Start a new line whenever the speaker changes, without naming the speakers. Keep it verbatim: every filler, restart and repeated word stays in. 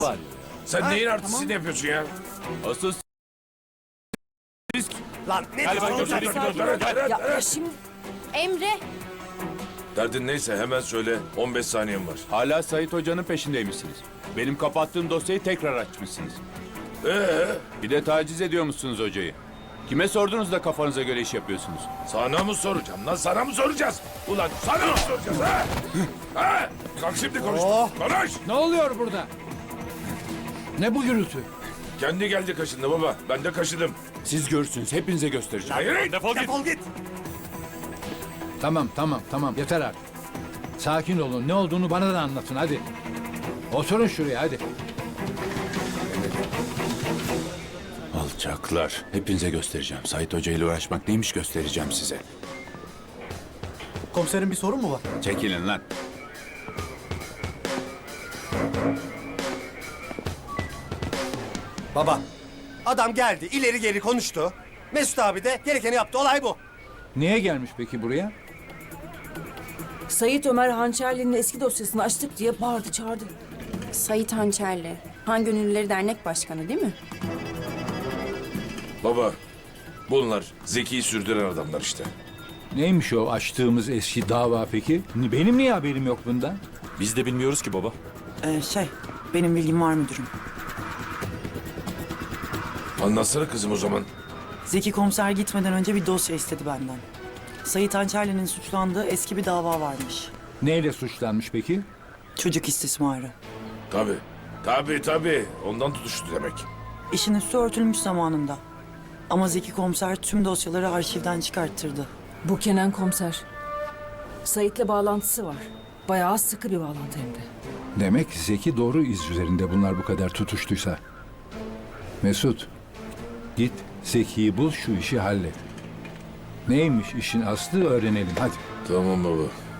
var.
Sen neyin artistini yapıyorsun ya?
Asıl risk.
Lan ne
Galiba
diyorsun?
götürdük.
Sen-
Ya, ya şimdi Emre
Derdin neyse hemen söyle. on beş saniyen var.
Hala Sait Hoca'nın peşindeymişsiniz. Benim kapattığım dosyayı tekrar açmışsınız.
Ee,
Bir de taciz ediyormuşsunuz hocayı. Kime sordunuz da kafanıza göre iş yapıyorsunuz?
sana mı soracağım lan? Sana mı soracağız? Ulan sana mı soracağız ha? Ha? Kalk şimdi konuş. Konuş.
Ne oluyor burada? Ne bu gürültü?
Kendi geldi kaşındı baba. Ben de kaşıdım.
Siz görürsünüz. Hepinize göstereceğim.
Hayır.
Defol git. Defol git.
Tamam tamam tamam yeter artık. Sakin olun, ne olduğunu bana da anlatın hadi. Oturun şuraya hadi.
Alçaklar. Hepinize göstereceğim. Sait Hoca ile uğraşmak neymiş göstereceğim size.
Komiserin bir sorun mu var?
Çekilin lan.
Baba, adam geldi, ileri geri konuştu. Mesut abi de gerekeni yaptı, olay bu.
Niye gelmiş peki buraya?
Sayit Ömer Hançerli'nin eski dosyasını açtık diye bağırdı çağırdı.
Sait Hançerli. Han Gönüllüleri Dernek Başkanı değil mi?
Baba. Bunlar Zeki'yi sürdüren adamlar işte.
Neymiş o açtığımız eski dava peki? Benim niye haberim yok bundan?
Biz de bilmiyoruz ki baba.
Ee, şey, benim bilgim var müdürüm.
Anlatsana kızım o zaman.
Zeki komiser gitmeden önce bir dosya istedi benden. Sayit Hançerli'nin suçlandığı eski bir dava varmış.
Neyle suçlanmış peki?
Çocuk istismarı.
Tabii. Tabii tabii. Ondan tutuştu demek.
İşin üstü örtülmüş zamanında. Ama Zeki komiser tüm dosyaları arşivden çıkarttırdı.
Bu Kenan komiser. Sait'le bağlantısı var. Bayağı sıkı bir bağlantı hem de.
Demek Zeki doğru iz üzerinde bunlar bu kadar tutuştuysa. Mesut, git Zeki'yi bul, şu işi hallet. Neymiş işin aslı öğrenelim hadi.
Tamam baba.